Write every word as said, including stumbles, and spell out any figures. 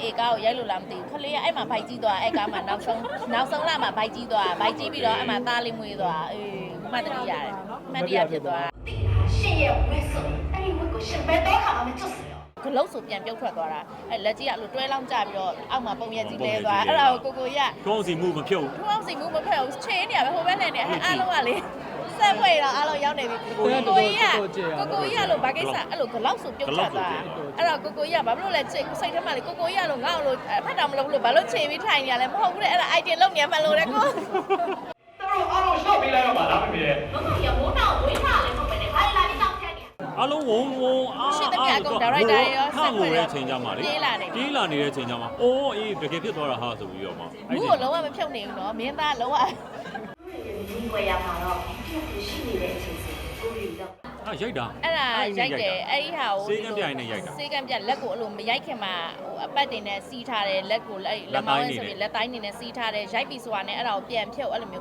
ကားကိုရိုက်လို့လားမသိဘူးခလေးကအဲ့မှာဘိုက်ကြီးသွားအဲ့ကားမှာနောက်ဆုံးနောက်ဆုံးလာမှာဘိုက်ကြီးသွားဘိုက်ကြီးပြီးတော့အဲ့မှာသားလေးမွေးသွားအေးမှတ်တရရတယ်မှတ်တရဖြစ်သွားရှင်ရဲ့ဝက်ဆိုအဲ့ဒီဝက်ကိုရှင်ဘယ်တော့ခါမှမကျွတ်စေရောဂလုတ်ဆိုပြန်ပြုတ်ထွက်သွားတာအဲ့လက်ကြီးကအဲ့လိုတွဲလောင်းကြပြီးတော့အောက်မှာပုံရက်ကြီးလဲသွားအဲ့ဒါကိုကိုကိုရထုံးစီမှုမဖြုတ်ထုံးစီမှုမဖက်ဘူးချင်းနေရပဲဟိုဘက်လည်းနေအဲ့အားလုံးကလေဆက်ဖွဲ့တော့အားလုံးရောက်နေပြီကိုကိုကြီးကကိုကိုကြီးကလို့ဘာကိစ္စအဲ့လိုဂလောက်ဆိုပြုတ်ထွက်သွားအဲ့တော့ကိုကိုကြီးကဘာဖြစ်လို့လဲစိတ်စိတ်ထဲမှာလေကိုကိုကြီးကလို့ငါ့လို့ဖက်တော်မလုပ်လို့ဘာလို့ချိန်ပြီးထိုင်နေရလဲမဟုတ်ဘူးလေအဲ့ဒါ item လုပ်နေမှလို့လေကိုတို့အားလုံးရှော့ပေးလိုက်တော့ပါလားမမေရဲ့ဘုမရမိုးတော့ဝေးထားလဲမဟုတ်ပဲနဲ့ဘာလဲလာပြီးတောက်ချက်နေအလုံးဝုံဝုံအားရှင်းတဲ့ကအကုန်ဒါရိုက်တာရောဆက်ဖွဲ့တဲ့ချိန်ကြမှာလေပြေးလာနေပြေးလာနေတဲ့ချိန်ကြမှာအိုးအေးတကယ်ဖြစ်သွားတာဟာဆိုပြီးတော့မှဘူးကိုလုံးဝမဖြုတ်နေဘူးနော်မင်းသားလုံးဝဝယ်ရမှာတော့ပြုတ်ရှိနေတဲ့အချိန်စီကိုရီတော့ဟာရိုက်တာအဲ့ဒါရိုက်တယ်အဲ့ဒီဟာကိုစေကံပြိုင်နဲ့ရိုက်တာစေကံပြလက်ကိုအဲ့လိုမရိုက်ခင်မှာဟိုအပတ်တင်နဲ့စီးထားတယ်လက်ကိုလက်မောင်းနဲ့ဆိုပြီးလက်တိုင်းနေနဲ့စီးထားတယ်ရိုက်ပြီဆိုတာနဲ့အဲ့ဒါကိုပြန်ဖြုတ်အဲ့လိုမျိုး